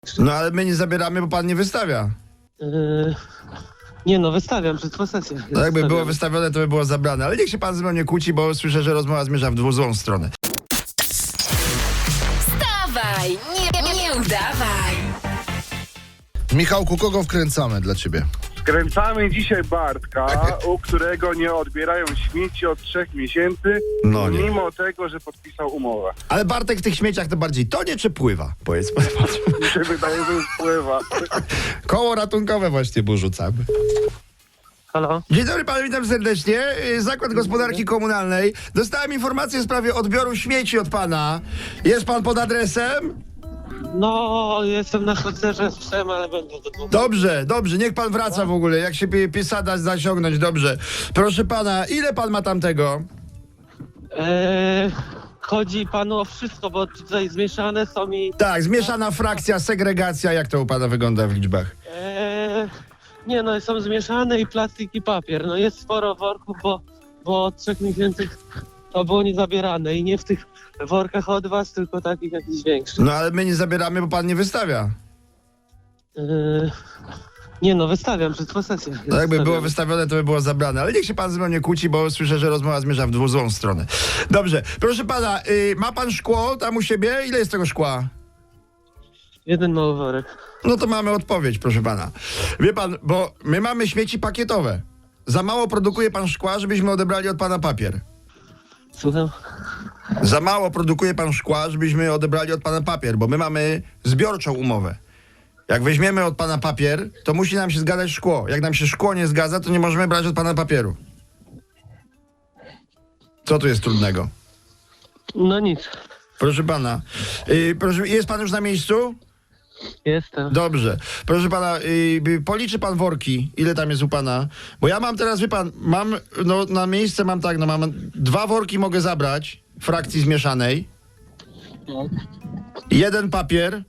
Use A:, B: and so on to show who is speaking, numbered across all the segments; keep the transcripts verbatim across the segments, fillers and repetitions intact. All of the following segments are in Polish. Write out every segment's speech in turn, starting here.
A: No ale my nie zabieramy, bo pan nie wystawia.
B: Yy, nie no, wystawiam przed posesją.
A: No jakby było wystawione, to by było zabrane. Ale niech się pan ze mną nie kłóci, bo słyszę, że rozmowa zmierza w dwu złą stronę.
C: Wstawaj, nie, nie, nie udawaj.
D: Michałku, kogo wkręcamy dla ciebie?
E: Skręcamy dzisiaj Bartka, u którego nie odbierają śmieci od trzech miesięcy,
A: No nie.
E: mimo tego, że podpisał umowę.
A: Ale Bartek w tych śmieciach to bardziej tonie czy pływa? Powiedz pan.
E: Mi się wydaje, że już pływa.
A: Koło ratunkowe właśnie mu rzucamy.
B: Halo?
A: Dzień dobry panu, witam serdecznie. Zakład Gospodarki Komunalnej. Dostałem informację w sprawie odbioru śmieci od pana. Jest pan pod adresem?
B: No, jestem na spacerze z psem, ale będę do dwóch.
A: Dobrze, dobrze, niech pan wraca w ogóle, jak się pi- pisada zaciągnąć, dobrze. Proszę pana, ile pan ma tamtego?
B: Eee, chodzi panu o wszystko, bo tutaj zmieszane są i...
A: Tak, zmieszana frakcja, segregacja, jak to u pana wygląda w liczbach?
B: Eee, nie no, są zmieszane i plastik i papier. No jest sporo worków, bo, bo od trzech miesięcy to było niezabierane i nie w tych workach od was, tylko takich jakichś większych.
A: No ale my nie zabieramy, bo pan nie wystawia.
B: Eee, nie no, wystawiam przed posesją.
A: No jakby było
B: Wystawiam.
A: wystawione, to by było zabrane. Ale niech się pan ze mną nie kłóci, bo słyszę, że rozmowa zmierza w dwu złą stronę. Dobrze, proszę pana, y, ma pan szkło tam u siebie? Ile jest tego szkła?
B: Jeden mały worek.
A: No to mamy odpowiedź, proszę pana. Wie pan, bo my mamy śmieci pakietowe. Za mało produkuje pan szkła, żebyśmy odebrali od pana papier.
B: Słucham?
A: Za mało produkuje pan szkła, żebyśmy odebrali od pana papier, bo my mamy zbiorczą umowę. Jak weźmiemy od pana papier, to musi nam się zgadzać szkło. Jak nam się szkło nie zgadza, to nie możemy brać od pana papieru. Co tu jest trudnego?
B: No nic.
A: Proszę pana, yy, proszę, jest pan już na miejscu?
B: Jestem.
A: Dobrze. Proszę pana, yy, policzy pan worki, ile tam jest u pana? Bo ja mam teraz, wie pan, mam, no na miejsce mam tak, no mam dwa worki mogę zabrać, frakcji zmieszanej. Jeden papier.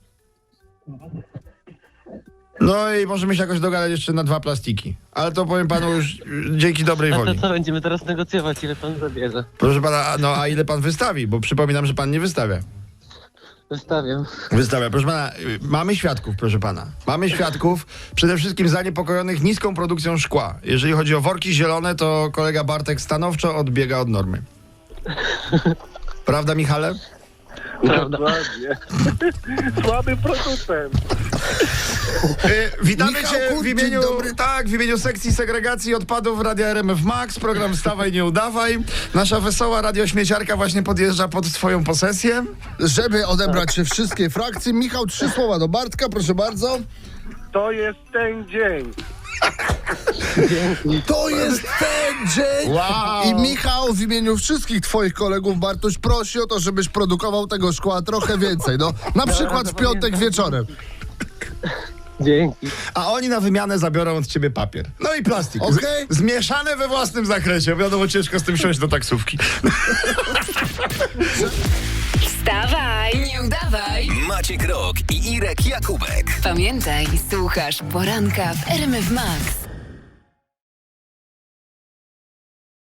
A: No i możemy się jakoś dogadać jeszcze na dwa plastiki. Ale to powiem panu już yy, dzięki dobrej
B: A to
A: woli.
B: co, będziemy teraz negocjować, ile pan zabierze?
A: Proszę pana, a- no a ile pan wystawi? Bo przypominam, że pan nie wystawia.
B: Wystawiam.
A: Wystawia. Proszę pana, y, mamy świadków, proszę pana. Mamy świadków, przede wszystkim zaniepokojonych niską produkcją szkła. Jeżeli chodzi o worki zielone, to kolega Bartek stanowczo odbiega od normy. Prawda, Michale?
B: Prawda.
E: Dokładnie. Słaby producent.
A: Y, witamy
D: Michałku,
A: cię w
D: dzień
A: imieniu,
D: dobry.
A: tak, w imieniu sekcji segregacji odpadów Radia R M F Max, program Wstawaj, nie udawaj. Nasza wesoła radiośmieciarka właśnie podjeżdża pod twoją posesję.
D: Żeby odebrać się wszystkie frakcje, Michał, trzy słowa do Bartka, proszę bardzo.
E: To jest ten dzień.
D: To jest ten dzień!
A: Wow.
D: I Michał w imieniu wszystkich twoich kolegów, Bartuś, prosi o to, żebyś produkował tego szkła trochę więcej. No, na przykład w piątek wieczorem.
B: Dzięki.
A: A oni na wymianę zabiorą od ciebie papier. No i plastik. Z-
D: Okej.
A: Zmieszane we własnym zakresie. Wiadomo, ciężko z tym siąść do taksówki.
C: Wstawaj, nie udawaj.
F: Maciek Rok i Irek Jakubek.
C: Pamiętaj, słuchasz poranka w R M F Max.